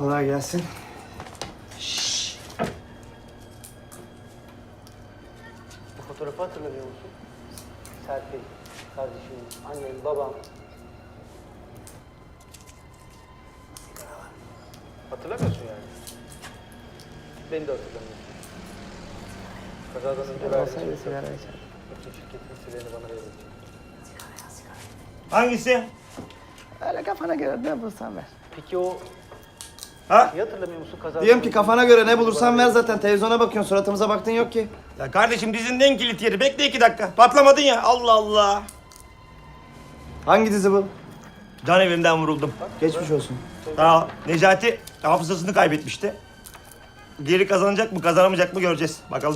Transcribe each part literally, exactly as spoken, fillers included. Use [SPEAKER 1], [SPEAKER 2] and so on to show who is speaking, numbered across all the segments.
[SPEAKER 1] Kolay gelsin.
[SPEAKER 2] Şşş.
[SPEAKER 3] Bu fotoğrafı hatırlamıyor musun? Serpil, kardeşim, annem, babam. Hatırlamıyorsun yani. Beni de hatırlamıyorsun. Kazadan önce verdiğin sigara içer. Bütün şirketin sırlarını bana verecek.
[SPEAKER 2] Hangisi?
[SPEAKER 1] Öyle kafana göre ne bulursan ver.
[SPEAKER 3] Peki o...
[SPEAKER 2] Ha?
[SPEAKER 3] Niye hatırlamıyor musun kazadan
[SPEAKER 1] Diyorum ki
[SPEAKER 3] önce-
[SPEAKER 1] kafana göre ne bulursan ver zaten. Televizyona bakıyorsun, suratımıza baktın yok ki.
[SPEAKER 2] Ya kardeşim dizinin en kilit yeri. Bekle iki dakika. Patlamadın ya. Allah Allah.
[SPEAKER 1] Hangi dizi bu?
[SPEAKER 2] Can evimden vuruldum.
[SPEAKER 1] Geçmiş olsun.
[SPEAKER 2] Ha, Necati hafızasını kaybetmişti. Geri kazanacak mı kazanamayacak mı göreceğiz. Bakalım.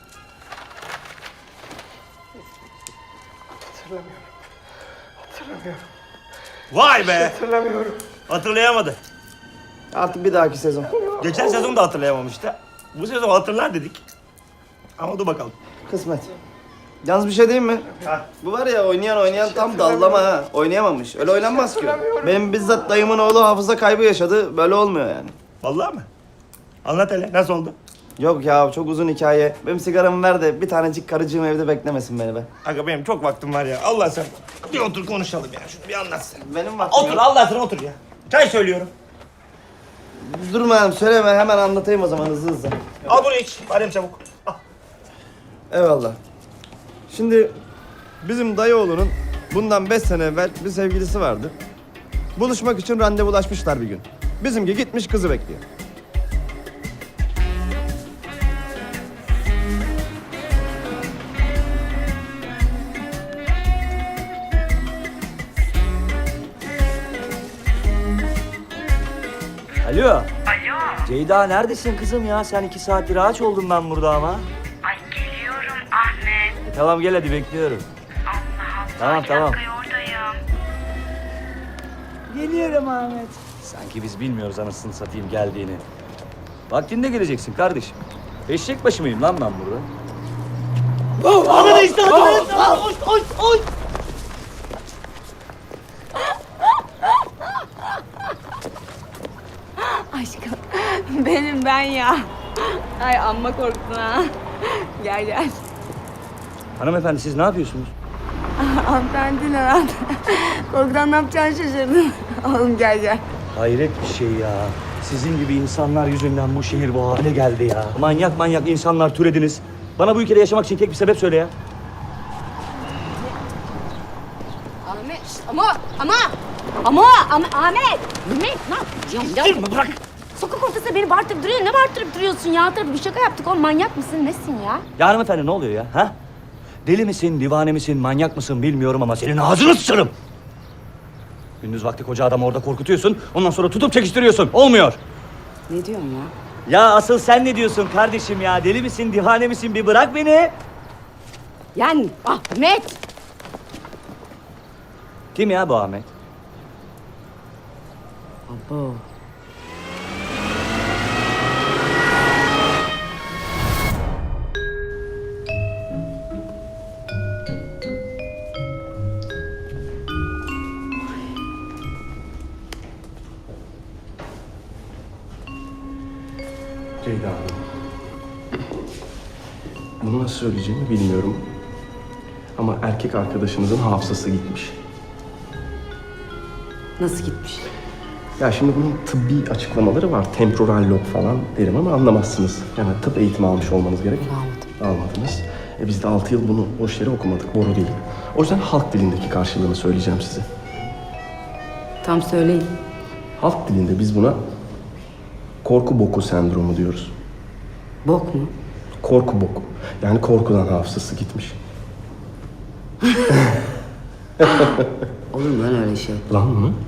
[SPEAKER 3] Hatırlamıyorum. Hatırlamıyorum.
[SPEAKER 2] Vay be.
[SPEAKER 3] Hatırlamıyorum.
[SPEAKER 2] Hatırlayamadı.
[SPEAKER 1] Artık bir dahaki sezon.
[SPEAKER 2] Geçen sezon da hatırlayamamıştı. Bu sezon hatırlar dedik. Ama dur bakalım.
[SPEAKER 1] Kısmet. Yalnız bir şey diyeyim mi?
[SPEAKER 2] Ha.
[SPEAKER 1] Bu var ya oynayan oynayan tam dallama ha. Oynayamamış. Öyle oynanmaz ki. Benim bizzat dayımın oğlu hafıza kaybı yaşadı. Böyle olmuyor yani.
[SPEAKER 2] Vallahi mi? Anlat hele. Nasıl oldu?
[SPEAKER 1] Yok ya çok uzun hikaye. Benim sigaramı ver de bir tanecik karıcığım evde beklemesin beni be.
[SPEAKER 2] Aga benim çok vaktim var ya. Allah sen. Bir otur konuşalım ya. Şunu bir anlatsın.
[SPEAKER 1] Benim vaktim
[SPEAKER 2] Otur
[SPEAKER 1] yok.
[SPEAKER 2] Allah aşkına otur ya. Çay söylüyorum.
[SPEAKER 1] Durma hanım söyleme hemen anlatayım o zaman hızlı hızlı.
[SPEAKER 2] Al bunu iç. Badem çabuk. Al.
[SPEAKER 1] Eyvallah. Şimdi bizim dayıoğlunun bundan beş sene evvel bir sevgilisi vardı. Buluşmak için randevulaşmışlar bir gün. Bizimki gitmiş kızı bekliyor.
[SPEAKER 4] Alo.
[SPEAKER 5] Alo.
[SPEAKER 4] Ceyda neredesin kızım ya? Sen iki saattir ağaç oldum ben burada ama.
[SPEAKER 5] Ay geliyorum Ahmet.
[SPEAKER 4] E, tamam gel hadi bekliyorum.
[SPEAKER 5] Allah Allah.
[SPEAKER 4] Tamam,
[SPEAKER 5] bir
[SPEAKER 4] tamam.
[SPEAKER 5] dakika oradayım.
[SPEAKER 4] Geliyorum Ahmet. Sanki biz bilmiyoruz anasını satayım geldiğini. Vaktinde geleceksin kardeşim. Eşek başı mıyım lan ben burada? Ahmet işte Ahmet! Oy oy oy!
[SPEAKER 6] Aşkım benim ben ya. Ay amma korktun ha. Gel gel.
[SPEAKER 4] Hanımefendi siz ne yapıyorsunuz?
[SPEAKER 6] Hanımefendi ne lan? Korkudan ne yapacağını şaşırdın. Oğlum gel gel.
[SPEAKER 4] Hayret bir şey ya. Sizin gibi insanlar yüzünden bu şehir bu hale geldi ya. Manyak manyak insanlar türediniz. Bana bu ülkede yaşamak için tek bir sebep söyle ya.
[SPEAKER 6] Ahmet ama ama ama ama Ahmet. Ahmet ne yapıyorsun? Ya, ya.
[SPEAKER 4] Bırak.
[SPEAKER 6] Sokak ortasında beni bağırtırıp duruyorsun. Ne bağırtırıp duruyorsun ya? Tabii bir şaka yaptık oğlum. Manyak mısın? Nesin ya?
[SPEAKER 4] Ya hanımefendi ne oluyor ya? Ha? Deli misin, divane misin, manyak mısın bilmiyorum ama senin ağzını sıçarım. Gündüz vakti koca adamı orada korkutuyorsun, ondan sonra tutup çekiştiriyorsun. Olmuyor.
[SPEAKER 6] Ne diyorsun ya?
[SPEAKER 4] Ya asıl sen ne diyorsun kardeşim ya? Deli misin, divane misin? Bir bırak beni.
[SPEAKER 6] Yani Ahmet.
[SPEAKER 4] Kim ya bu Ahmet?
[SPEAKER 6] Abo.
[SPEAKER 7] Ceyda Hanım. Bunu nasıl söyleyeceğimi bilmiyorum. Ama erkek arkadaşınızın hafızası gitmiş.
[SPEAKER 6] Nasıl gitmiş?
[SPEAKER 7] Ya şimdi bunun tıbbi açıklamaları var. Temporal lob falan derim ama anlamazsınız. Yani tıp eğitimi almış olmanız gerek.
[SPEAKER 6] Almadım.
[SPEAKER 7] Almadınız. E biz de altı yıl bunu boş yere okumadık. Boru değil. O yüzden halk dilindeki karşılığını söyleyeceğim size.
[SPEAKER 6] Tam söyleyin.
[SPEAKER 7] Halk dilinde biz buna korku boku sendromu diyoruz.
[SPEAKER 6] Bok mu?
[SPEAKER 7] Korku boku. Yani korkudan hafızası gitmiş.
[SPEAKER 6] Olur mu lan öyle şey?
[SPEAKER 7] Lan mı?